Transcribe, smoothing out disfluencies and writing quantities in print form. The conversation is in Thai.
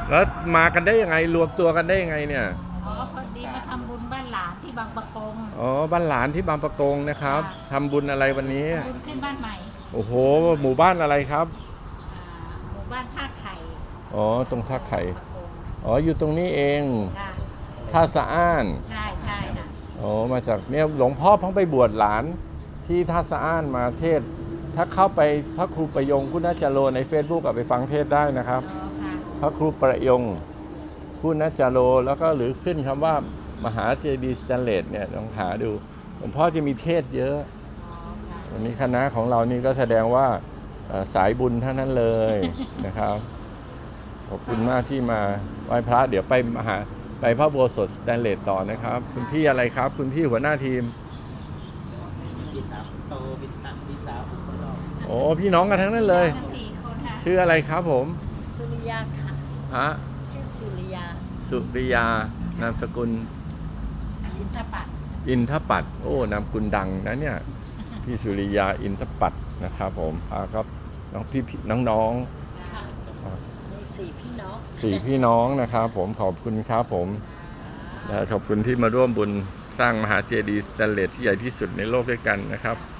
แล้วมากันได้ยังไงรวมตัวกันได้ยังไงเนี่ยอ๋อพอดีมาทำบุญบ้านหลานที่บางปะกงอ๋อบ้านหลานที่บางปะกงนะครับทำบุญอะไรวันนี้บุญขึ้นบ้านใหม่โอ้โหหมู่บ้านอะไรครับหมู่บ้านท่าไข่อ๋อตรงท่าไข่ปะกงอ๋ออยู่ตรงนี้เองค่ะท่าสะอ้านใช่ใช่ค่ะอ๋อมาจากเนี่ยหลวงพ่อเพิ่งไปบวชหลานที่ท่าสะอ้านมาเทศถ้าเข้าไปพระครูประยงคุณจโรใน Facebook ไปฟังเทศได้นะครับอ๋อค่ะพระครูประยงคุณจโรแล้วก็หรือขึ้นคำว่ามหาเจดีย์สแตนเลสเนี่ยลองหาดูหลวงพ่อจะมีเทศเยอะอ๋อค่ะวันนี้คณะของเรานี่ก็แสดงว่าสายบุญทั้งนั้นเลยนะครับขอบคุณมากที่มาไหว้พระเดี๋ยวไปพระโบสถสแตนเลสต่อนะครับคุณพี่อะไรครับคุณพี่หัวหน้าทีมพี่สาวโตพี่สาวคนรองโอ้พี่น้องกันทั้งนั้นเลย 4 คนค่ะชื่ออะไรครับผมสุริยาค่ะฮะชื่อสุริยาสุริยานามสกุลอินทปัตย์อินทปัตย์โอ้นามสกุลดังนะเนี่ยพี่สุริยาอินทปัตย์นะครับผมพาครับน้องพี่น้องค่ะมี4 พี่น้องสี่พี่น้องนะครับผมขอบคุณครับผมและขอบคุณที่มาร่วมบุญสร้างมหาเจดีย์สแตนเลสที่ใหญ่ที่สุดในโลกด้วยกันนะครับ